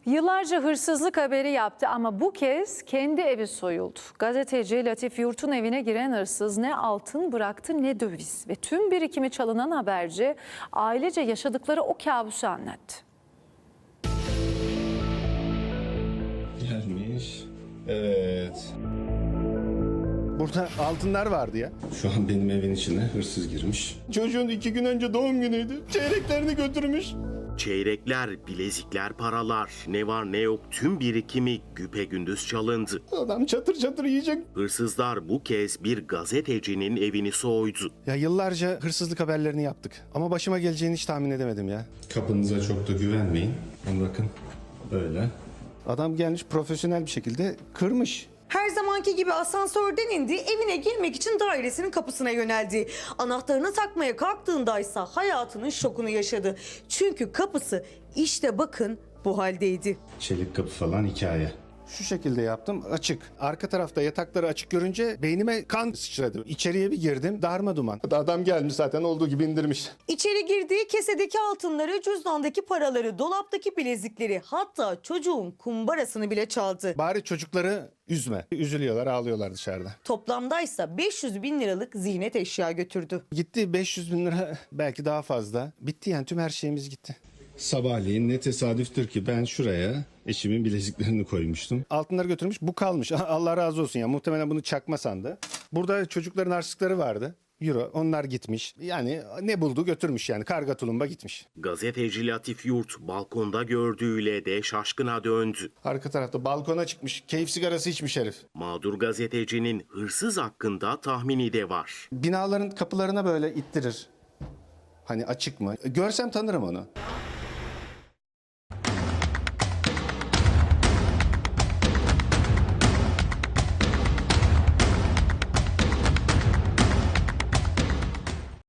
Yıllarca hırsızlık haberi yaptı ama bu kez kendi evi soyuldu. Gazeteci Latif Yurt'un evine giren hırsız ne altın bıraktı ne döviz ve tüm birikimi çalınan haberci ailece yaşadıkları o kabusu anlattı. Gelmiş. Evet. Burada altınlar vardı ya. Şu an benim evin içine hırsız girmiş. Çocuğun 2 gün önce doğum günüydü. Çeyreklerini götürmüş. Çeyrekler, bilezikler, paralar, ne var ne yok tüm birikimi güpegündüz çalındı. Adam çatır çatır yiyecek. Hırsızlar bu kez bir gazetecinin evini soydu. Ya yıllarca hırsızlık haberlerini yaptık. Ama başıma geleceğini hiç tahmin edemedim ya. Kapınıza çok da güvenmeyin. Bakın böyle. Adam gelmiş profesyonel bir şekilde kırmış. Her zamanki gibi asansörden indi, evine girmek için dairesinin kapısına yöneldi. Anahtarını takmaya kalktığındaysa hayatının şokunu yaşadı. Çünkü kapısı işte bakın bu haldeydi. Çelik kapı falan hikaye. Şu şekilde yaptım, açık. Arka tarafta yatakları açık görünce beynime kan sıçradı. İçeriye bir girdim, darma duman. Adam gelmiş zaten olduğu gibi indirmiş. İçeri girdiği kesedeki altınları, cüzdandaki paraları, dolaptaki bilezikleri, hatta çocuğun kumbarasını bile çaldı. Bari çocukları üzme. Üzülüyorlar, ağlıyorlar dışarıda. Toplamdaysa 500 bin liralık ziynet eşya götürdü. Gitti 500 bin lira, belki daha fazla. Bitti yani, tüm her şeyimiz gitti. Sabahleyin ne tesadüftür ki ben şuraya eşimin bileziklerini koymuştum. Altınları götürmüş, bu kalmış. Allah razı olsun ya, muhtemelen bunu çakma sandı. Burada çocukların harçlıkları vardı. Euro, onlar gitmiş. Yani ne buldu götürmüş yani, karga tulumba gitmiş. Gazeteci Latif Yurt balkonda gördüğüyle de şaşkına döndü. Arka tarafta balkona çıkmış, keyif sigarası içmiş herif. Mağdur gazetecinin hırsız hakkında tahmini de var. Binaların kapılarına böyle ittirir. Hani açık mı? Görsem tanırım onu.